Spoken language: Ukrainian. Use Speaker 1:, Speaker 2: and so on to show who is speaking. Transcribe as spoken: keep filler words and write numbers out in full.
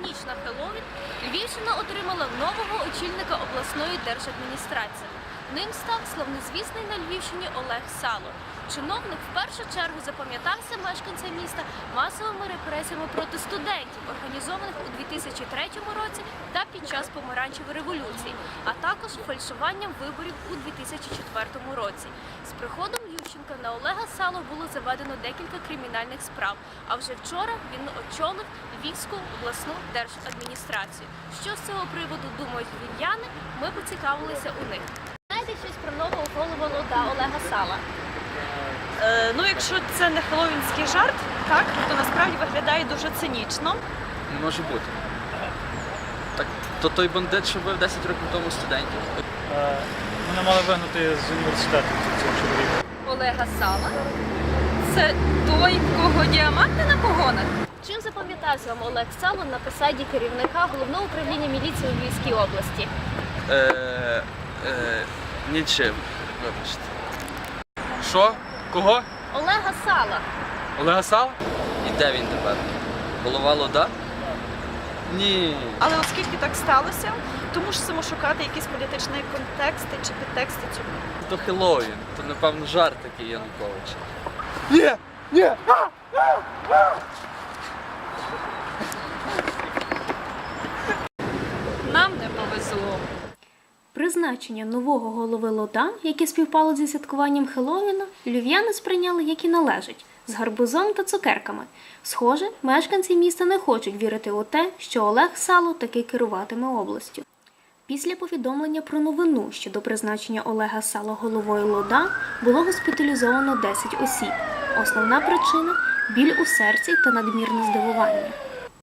Speaker 1: ніч на Хеллоуін Львівщина отримала нового очільника обласної держадміністрації. Ним став славнозвісний на Львівщині Олег Сало. Чиновник в першу чергу запам'ятався мешканцям міста масовими репресіями проти студентів, організованих у дві тисячі третьому році та під час помаранчевої революції, а також фальшуванням виборів у дві тисячі четвертому році. З приходом Ющенка на Олега Сало було заведено декілька кримінальних справ, а вже вчора він очолив Львівську обласну держадміністрацію. Що з цього приводу думають львів'яни, ми поцікавилися у них. Знаєте щось про нового голову ЛОДА Олега Сала?
Speaker 2: Е, ну, якщо це не хеллоуінський жарт, так, то насправді виглядає дуже цинічно.
Speaker 3: Не може бути. Так, то той бандит, що вбив десять років тому студентів.
Speaker 4: Е, Мене мали вигнати з університету цього чоловіка.
Speaker 2: Олега Сала? Це той, в кого діаманти на погонах?
Speaker 1: Чим запам'ятався вам Олег Сало на посаді керівника Головного управління міліції у Львівській області?
Speaker 3: Е, е, нічим, вибачте. Що? Кого?
Speaker 1: Олега Сала.
Speaker 3: Олега Сала? І де він тепер? Голова ЛОДА? Ні.
Speaker 2: Але оскільки так сталося, то мусимо шукати якісь політичні контексти чи підтексти цього.
Speaker 3: То Хеллоуін, то напевно жарт такий Януковича. Ні! Ні!
Speaker 2: Нам не повезло.
Speaker 1: Призначення нового голови ЛОДА, яке співпало зі святкуванням Хеллоуіна, львів'яни сприйняли як і належить, з гарбузом та цукерками. Схоже, мешканці міста не хочуть вірити у те, що Олег Сало таки керуватиме областю. Після повідомлення про новину щодо призначення Олега Сало головою ЛОДА було госпіталізовано десять осіб. Основна причина – біль у серці та надмірне здивування.